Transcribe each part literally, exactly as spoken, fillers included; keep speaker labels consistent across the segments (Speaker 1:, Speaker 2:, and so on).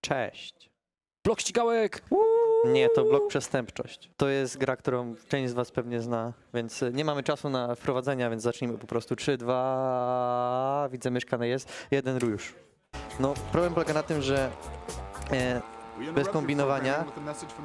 Speaker 1: Cześć.
Speaker 2: Blok ścigałek!
Speaker 1: Nie, to blok przestępczość. To jest gra, którą część z was pewnie zna, więc nie mamy czasu na wprowadzenia, więc zacznijmy po prostu. trzy, dwa, widzę mieszkane jest, jeden już. No, problem polega na tym, że e, bez kombinowania e,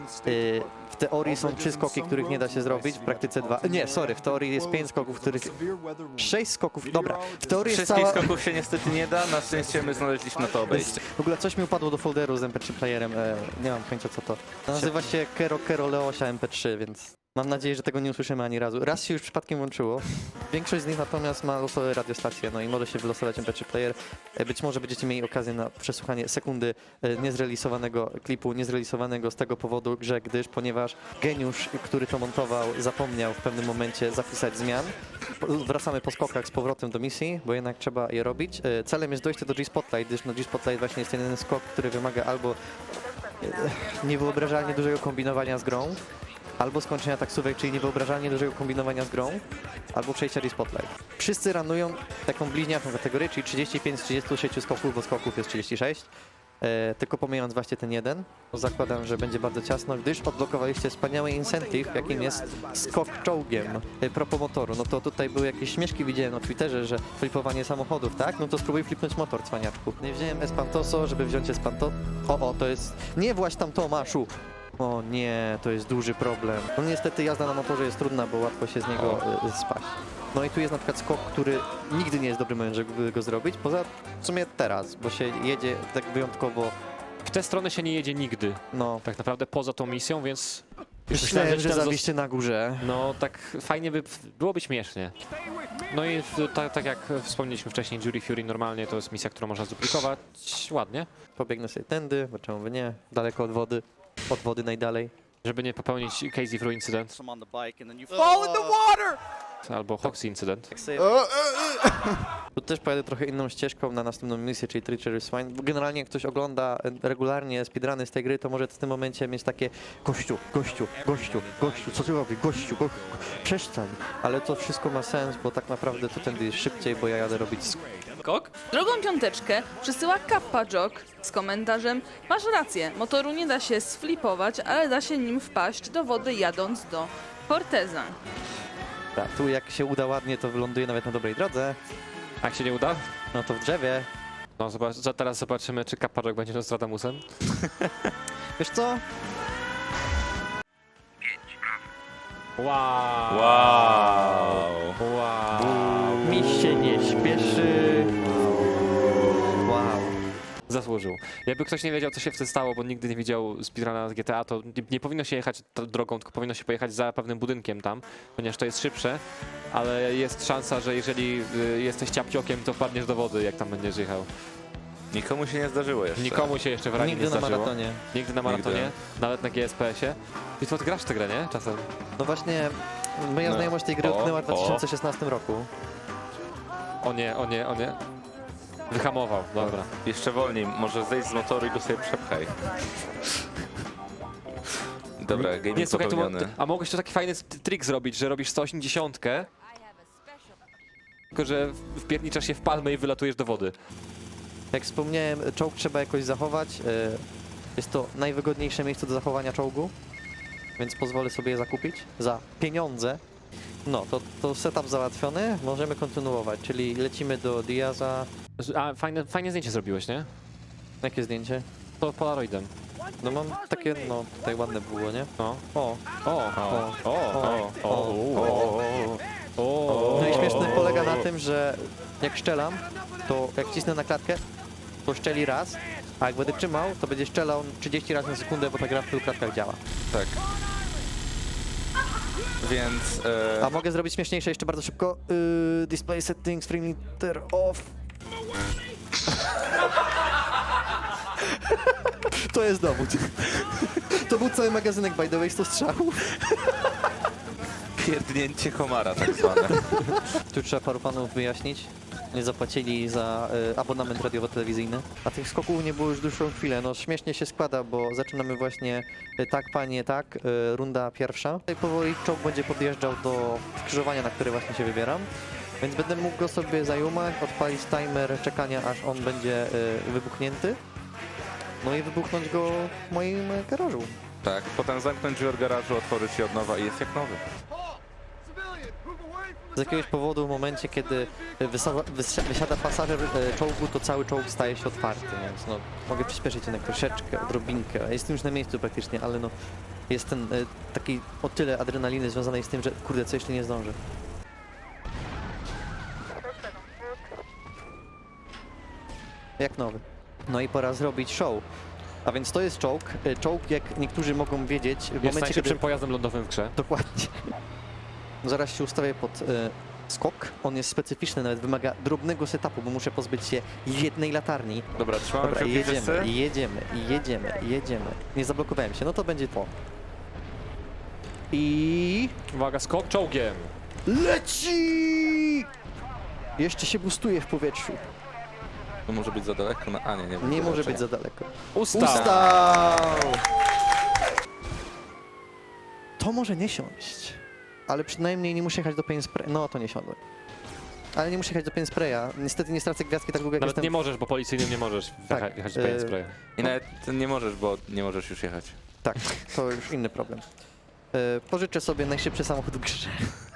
Speaker 1: w teorii są trzy skoki, których nie da się zrobić, w praktyce dwa. Nie, sorry, w teorii jest pięć skoków, których... Sześć skoków, dobra. W teorii jest
Speaker 3: Wszystkich
Speaker 1: cała...
Speaker 3: skoków się niestety nie da, na szczęście my znaleźliśmy na to obejście.
Speaker 1: W ogóle coś mi upadło do folderu z M P trzy playerem, e, nie mam pojęcia co to. Nazywa się Kero Kero Leosia M P trzy, więc mam nadzieję, że tego nie usłyszymy ani razu. Raz się już przypadkiem łączyło. Większość z nich natomiast ma losowe radiostacje, no i może się wylosować M P trzy player. E, być może będziecie mieli okazję na przesłuchanie sekundy e, niezrealizowanego klipu, niezrealizowanego z tego powodu, że gdyż, ponieważ geniusz, który to montował, zapomniał w pewnym momencie zapisać zmian. Wracamy po skokach z powrotem do misji, bo jednak trzeba je robić. E, celem jest dojście do G-Spotlight, gdyż no G-Spotlight właśnie jest jeden skok, który wymaga albo e, niewyobrażalnie dużego kombinowania z grą, albo skończenia taksówek, czyli niewyobrażalnie dużego kombinowania z grą, albo przejścia G-Spotlight. Wszyscy ranują taką bliźniaczą kategorię, czyli trzydzieści pięć z trzydziestu sześciu skoków, bo skoków jest trzydzieści sześć. E, tylko pomijając właśnie ten jeden, zakładam, że będzie bardzo ciasno, gdyż odblokowaliście wspaniały incentive, jakim jest skok czołgiem. E, propos motoru, no to tutaj były jakieś śmieszki, widziałem na Twitterze, że flipowanie samochodów, tak? No to spróbuj flipnąć motor, cwaniaczku. Nie wziąłem Espantoso, żeby wziąć Espanto... O, o, to jest... Nie właź tam Tomaszu! O nie, to jest duży problem. No niestety jazda na motorze jest trudna, bo łatwo się z niego y, spaść. No i tu jest na przykład skok, który nigdy nie jest dobry moment, żeby go zrobić, poza w sumie teraz, bo się jedzie tak wyjątkowo,
Speaker 2: W tę stronę się nie jedzie nigdy,
Speaker 1: no...
Speaker 2: tak naprawdę poza tą misją, więc... już
Speaker 1: Myślałem, że
Speaker 2: gdzieś tam
Speaker 1: zawieście na górze.
Speaker 2: No tak fajnie by byłoby śmiesznie. No i w, tak, tak jak wspomnieliśmy wcześniej, Jury Fury normalnie to jest misja, którą można zduplikować ładnie,
Speaker 1: Pobiegnę sobie tędy, bo czemu by nie, daleko od wody, od wody najdalej.
Speaker 2: żeby nie popełnić Casey Fru incydent
Speaker 4: Some on the bike and then you fall in the water.
Speaker 2: albo Hoxie incydent.
Speaker 1: Tak sobie... Tu też pojadę trochę inną ścieżką na następną misję, czyli Treacherous Swine. Bo generalnie jak ktoś ogląda regularnie speedruny z tej gry, to może w tym momencie mieć takie gościu, gościu, gościu, gościu, co ty robisz, gościu, go... przestań. Ale to wszystko ma sens, bo tak naprawdę to tędy jest szybciej, bo ja jadę robić skok.
Speaker 5: Drugą piąteczkę przysyła Kappa Jog z komentarzem: masz rację, motoru nie da się sflipować, ale da się nim wpaść do wody jadąc do Forteza.
Speaker 1: Tak, tu jak się uda ładnie, to wyląduje nawet na dobrej drodze.
Speaker 2: A jak się nie uda?
Speaker 1: No to w drzewie.
Speaker 2: No zobacz, za- teraz zobaczymy, czy Kapparok będzie Nostradamusem.
Speaker 1: Wiesz co?
Speaker 2: Wow!
Speaker 3: Wow!
Speaker 2: Wow!
Speaker 1: Mi się nie śpieszy. Wow.
Speaker 2: Zasłużył. Jakby ktoś nie wiedział, co się wtedy stało, bo nigdy nie widział speedruna z G T A, to nie, nie powinno się jechać tą drogą, tylko powinno się pojechać za pewnym budynkiem tam, ponieważ to jest szybsze, ale jest szansa, że jeżeli y, jesteś ciapciokiem, to wpadniesz do wody, jak tam będziesz jechał.
Speaker 3: Nikomu się nie zdarzyło jeszcze.
Speaker 2: Nikomu się jeszcze w ranie
Speaker 1: Nigdy
Speaker 2: nie
Speaker 1: na
Speaker 2: zdarzyło.
Speaker 1: maratonie.
Speaker 2: Nigdy na maratonie,
Speaker 3: Nigdy.
Speaker 2: nawet na G S P S-ie. I to ty grasz w tę grę, nie? Czasem.
Speaker 1: No właśnie, moja
Speaker 3: No.
Speaker 1: znajomość tej gry
Speaker 3: O,
Speaker 1: utknęła w
Speaker 3: o.
Speaker 1: dwa tysiące szesnastym roku.
Speaker 2: O nie, o nie, o nie. Wyhamował, dobra.
Speaker 3: Jeszcze wolniej, może zejść z motoru i go sobie przepchaj. Dobra, gaming
Speaker 2: Nie, słuchaj, to, mo-
Speaker 3: popełniony.
Speaker 2: a mogłeś tu taki fajny t- trik zrobić, że robisz sto osiemdziesiąt, tylko że wpierniczasz się w palmę i wylatujesz do wody.
Speaker 1: Jak wspomniałem, czołg trzeba jakoś zachować. e, Jest to najwygodniejsze miejsce do zachowania czołgu, więc pozwolę sobie je zakupić za pieniądze. No, to, to setup załatwiony, możemy kontynuować, czyli lecimy do Diaza.
Speaker 2: A fajne, fajne zdjęcie zrobiłeś, nie?
Speaker 1: Jakie zdjęcie?
Speaker 2: To Polaroidem.
Speaker 1: No mam takie, no tutaj ładne było, nie?
Speaker 2: No.
Speaker 1: O,
Speaker 2: O,
Speaker 1: o,
Speaker 2: o, o,
Speaker 1: o,
Speaker 2: o, o, o.
Speaker 1: No i śmieszne polega na tym, że jak szczelam, to jak cisnę na klatkę, to szczeli raz, a jak będę trzymał, to będzie szczelał trzydzieści razy na sekundę, bo ta gra w tylu klatkach działa.
Speaker 3: Tak. Więc... E,
Speaker 1: A mogę zrobić śmieszniejsze jeszcze bardzo szybko. Yy, display settings, free meter off. To jest dowód. To był cały magazynek, by the way, sto strzałów.
Speaker 3: pierdnięcie komara tak zwane.
Speaker 1: Tu trzeba paru panów wyjaśnić. Nie zapłacili za y, abonament radiowo-telewizyjny. A tych skoków nie było już dłuższą chwilę. No śmiesznie się składa, bo zaczynamy właśnie y, tak, panie, tak, y, runda pierwsza. I powoli czołg będzie podjeżdżał do skrzyżowania, na które właśnie się wybieram. Więc będę mógł go sobie zajumać, odpalić timer czekania, aż on będzie y, wybuchnięty. no i wybuchnąć go w moim e, garażu.
Speaker 3: Tak, potem zamknąć drzwi od garażu, otworzyć je od nowa i jest jak nowy.
Speaker 1: Z jakiegoś powodu w momencie, kiedy wysa- wysi- wysiada pasażer e, czołgu, to cały czołg staje się otwarty, więc no, mogę przyspieszyć jednak troszeczkę, odrobinkę. Jestem już na miejscu praktycznie, ale no, jest ten e, taki o tyle adrenaliny związanej z tym, że kurde, co jeszcze nie zdążę. Jak nowy. No i pora zrobić show. A więc to jest czołg. E, Czołg, jak niektórzy mogą wiedzieć, w
Speaker 2: Jest
Speaker 1: momencie,
Speaker 2: najszybszym
Speaker 1: kiedy...
Speaker 2: pojazdem lądowym w grze.
Speaker 1: Dokładnie. Zaraz się ustawię pod e, skok. On jest specyficzny, nawet wymaga drobnego setupu, bo muszę pozbyć się jednej latarni.
Speaker 3: Dobra, trzymamy
Speaker 1: Dobra,
Speaker 3: kciuki wszyscy.
Speaker 1: jedziemy, jedziemy, jedziemy, jedziemy. Nie zablokowałem się, no to będzie to. I...
Speaker 2: Uwaga, skok czołgiem.
Speaker 1: Leci! Jeszcze się boostuje w powietrzu.
Speaker 3: To może być za daleko, no, a nie, nie.
Speaker 1: Nie może
Speaker 3: raczej.
Speaker 1: być za daleko.
Speaker 2: Ustaw.
Speaker 1: Ustał! To może nie siąść, ale przynajmniej nie muszę jechać do paint spray. No to nie siądłem. Ale nie muszę jechać do paint spraya. Niestety nie stracę gwiazdki tak długo jak
Speaker 2: Nawet
Speaker 1: jestem...
Speaker 2: nie możesz, bo policyjnym nie możesz
Speaker 1: Tak,
Speaker 2: tak, jechać do
Speaker 1: e,
Speaker 2: paint spray.
Speaker 3: I nawet nie możesz, bo nie możesz już jechać.
Speaker 1: Tak, to już inny problem. E, pożyczę sobie najszybszy samochód w grze.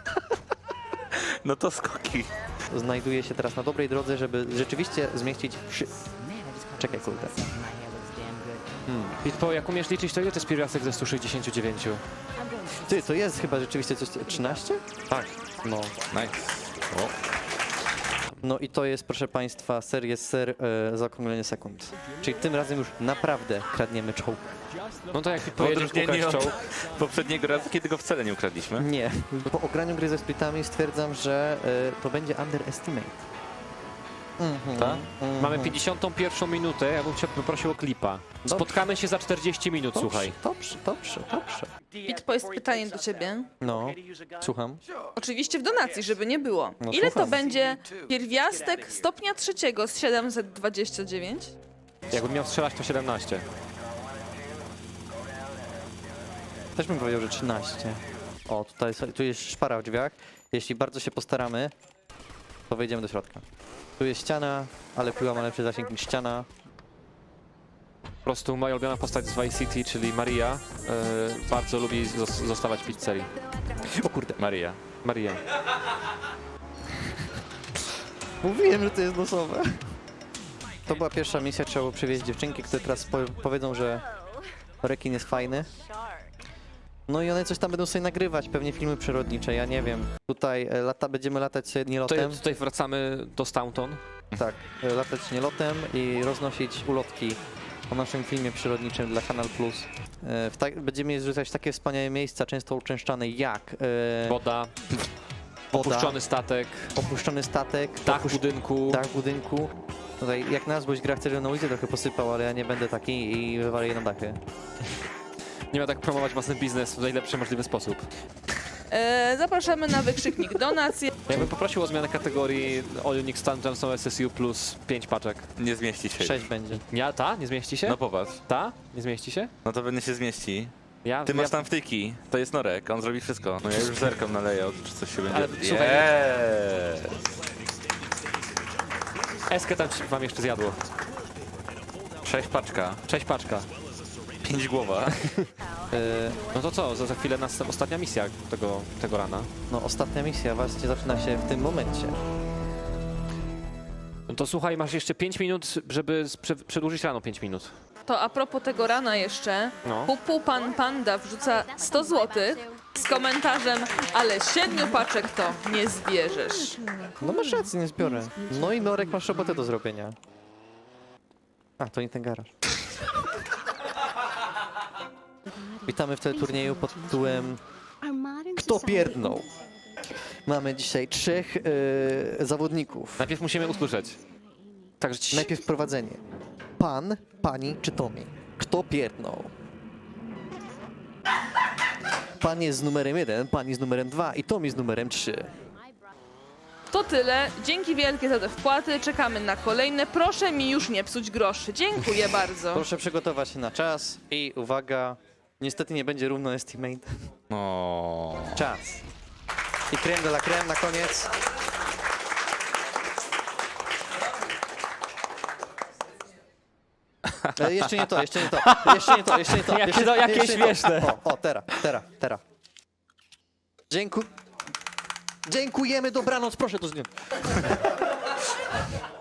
Speaker 3: No to skoki.
Speaker 1: Znajduję się teraz na dobrej drodze, żeby rzeczywiście zmieścić wszy... Czekaj, kurde. Hmm.
Speaker 2: Pitpo, jak umiesz liczyć, to ile to jest pierwiastek ze stu sześćdziesięciu dziewięciu?
Speaker 1: Ty, to jest chyba rzeczywiście coś... trzynaście?
Speaker 2: Tak.
Speaker 1: No.
Speaker 3: Nice. O.
Speaker 1: No i to jest, proszę Państwa, seria ser e, zaokrąglenie sekund. Czyli tym razem już naprawdę kradniemy czołg.
Speaker 2: No to jak
Speaker 3: W
Speaker 2: Pitpo jedziesz
Speaker 3: odróżnieniu
Speaker 2: ukraść
Speaker 3: od
Speaker 2: czołg,
Speaker 3: poprzedniego razu, kiedy go wcale nie ukradliśmy.
Speaker 1: Nie. Po ograniu gry ze splitami stwierdzam, że e, to będzie underestimate. Mhm.
Speaker 3: Tak?
Speaker 1: Mhm.
Speaker 2: mamy pięćdziesiątą pierwszą minutę, ja bym cię poprosił o klipa.
Speaker 1: Dobrze.
Speaker 2: Spotkamy się za czterdzieści minut,
Speaker 1: Dobrze,
Speaker 2: słuchaj.
Speaker 1: Dobrze, dobrze, dobrze.
Speaker 5: Pitpo, jest pytanie do ciebie.
Speaker 1: No, słucham.
Speaker 5: Oczywiście w donacji, żeby nie było.
Speaker 1: No,
Speaker 5: Ile to
Speaker 1: słucham.
Speaker 5: będzie pierwiastek stopnia trzeciego z siedemset dwadzieścia dziewięć?
Speaker 2: Jakbym miał strzelać, to siedemnaście.
Speaker 1: Też bym powiedział, że trzynaście. O, tutaj są- tu jest szpara w drzwiach. Jeśli bardzo się postaramy, to wejdziemy do środka. Tu jest ściana, ale piła ma lepszy zasięg niż ściana.
Speaker 2: Po prostu moja ulubiona postać z Vice City, czyli Maria, yy, bardzo lubi zos- zostawać w pizzerii.
Speaker 1: O kurde.
Speaker 3: Maria.
Speaker 2: Maria.
Speaker 1: Mówiłem, że to jest losowe. To była pierwsza misja, trzeba było przywieźć dziewczynki, które teraz po powiedzą, że rekin jest fajny. No i one coś tam będą sobie nagrywać, pewnie filmy przyrodnicze, ja nie wiem. Tutaj e, lata, będziemy latać sobie
Speaker 2: Tutaj,
Speaker 1: nielotem.
Speaker 2: tutaj wracamy do Staunton.
Speaker 1: Tak, e, latać nielotem i roznosić ulotki o naszym filmie przyrodniczym dla Kanal Plus. E, w tak, będziemy zrzucać w takie wspaniałe miejsca, często uczęszczane jak e,
Speaker 2: Woda,
Speaker 1: woda,
Speaker 2: opuszczony statek,
Speaker 1: opuszczony statek,
Speaker 2: dach
Speaker 1: opusz-
Speaker 2: budynku.
Speaker 1: dach budynku. Tutaj jak na złość gra chce, żebym na ulicę trochę posypał, ale ja nie będę taki i wywalę na dachy.
Speaker 2: Nie ma tak promować własny biznes w najlepszy możliwy sposób.
Speaker 5: E, zapraszamy na wykrzyknik donacje.
Speaker 2: Ja bym poprosił o zmianę kategorii All Unique Stand Johnson S S U plus pięć paczek.
Speaker 3: Nie zmieści się.
Speaker 1: Sześć będzie.
Speaker 2: Ja, ta? Nie zmieści się?
Speaker 3: No popatrz.
Speaker 2: Ta? Nie zmieści się?
Speaker 3: No to pewnie się zmieści.
Speaker 2: Ja,
Speaker 3: Ty
Speaker 2: ja,
Speaker 3: masz tam wtyki. To jest Norek, on zrobi wszystko. No ja już zerkam na layout, czy coś się będzie...
Speaker 2: Ale słuchaj,
Speaker 3: Eee.
Speaker 2: Eskę tam ci- wam jeszcze zjadło.
Speaker 3: Sześć paczka.
Speaker 2: Cześć paczka.
Speaker 3: Pięć głowa.
Speaker 1: E,
Speaker 2: No to co, za, za chwilę nas ostatnia misja tego, tego rana.
Speaker 1: no ostatnia misja właśnie zaczyna się w tym momencie.
Speaker 2: No to słuchaj, masz jeszcze pięć minut, żeby sprze- przedłużyć rano pięć minut.
Speaker 5: To a propos tego rana jeszcze,
Speaker 2: No.
Speaker 5: Pupu Pan Panda wrzuca sto złotych z komentarzem, ale siedmiu paczek to nie zbierzesz.
Speaker 1: No masz rację, nie zbiorę. No i Norek, masz robotę do zrobienia. A, to nie ten garaż. Witamy w teleturnieju pod tytułem Kto pierdnął? Mamy dzisiaj trzech e, zawodników.
Speaker 2: Najpierw musimy usłyszeć. Także ci...
Speaker 1: Najpierw prowadzenie. Pan, pani czy Tommy? Kto pierdnął? Pan jest z numerem jeden, pani z numerem dwa i Tommy z numerem trzy.
Speaker 5: To tyle. Dzięki wielkie za te wpłaty. Czekamy na kolejne. Proszę mi już nie psuć groszy. Dziękuję bardzo.
Speaker 1: Proszę przygotować się na czas i uwaga, niestety nie będzie równo estimate.
Speaker 3: No.
Speaker 1: Czas. I creme de la creme na koniec. E, jeszcze nie to, jeszcze nie to, jeszcze nie to, jeszcze nie to.
Speaker 2: Jakie
Speaker 1: jeszcze,
Speaker 2: to- jakie
Speaker 1: jeszcze nie to.
Speaker 2: śmieszne.
Speaker 1: O, o, teraz, teraz, teraz. Dziękuję. Dziękujemy, dobranoc, proszę to zdjąć.